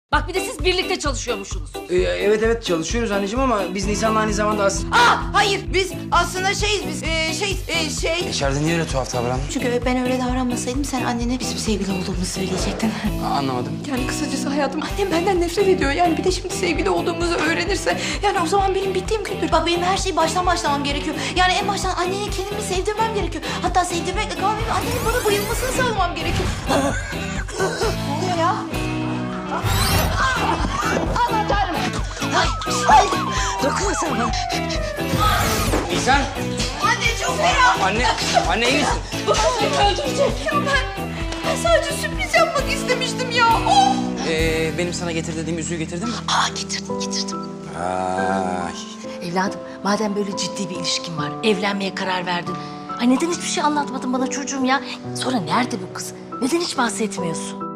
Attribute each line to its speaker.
Speaker 1: Bak bir de siz birlikte çalışıyormuşsunuz.
Speaker 2: Evet çalışıyoruz anneciğim ama biz Nisan'la aynı zamanda aslında...
Speaker 3: Hayır biz aslında şeyiz
Speaker 2: İçeride niye öyle tuhaf davrandın?
Speaker 3: Çünkü ben öyle davranmasaydım sen annene bizim sevgili olduğumuzu söyleyecektin.
Speaker 2: Anlamadım.
Speaker 3: Yani kısacası hayatım annem benden nefret ediyor. Yani bir de şimdi sevgili olduğumuzu öğrenirse yani o zaman benim bittiğim gündür. Bak benim her şeyi baştan başlamam gerekiyor. Yani en baştan annene kendimi sevdirmem gerekiyor. Hatta sevdirmekle kalmayıp annenin bana bayılmasını sağlamam gerekiyor. Ne oluyor ya? Aman Tanrım. Ay.
Speaker 1: Dokunmasana bana.
Speaker 2: Nisan!
Speaker 3: Anne çok fena.
Speaker 2: Anne iyi misin?
Speaker 3: Beni öldürecek. Ya ben sadece sürpriz yapmak istemiştim ya. Of.
Speaker 2: Benim sana getir dediğim yüzüğü getirdin mi?
Speaker 1: Getirdim.
Speaker 2: Ay.
Speaker 1: Evladım madem böyle ciddi bir ilişkin var, evlenmeye karar verdin. Ay neden hiçbir şey anlatmadın bana çocuğum ya? Sonra nerede bu kız? Neden hiç bahsetmiyorsun?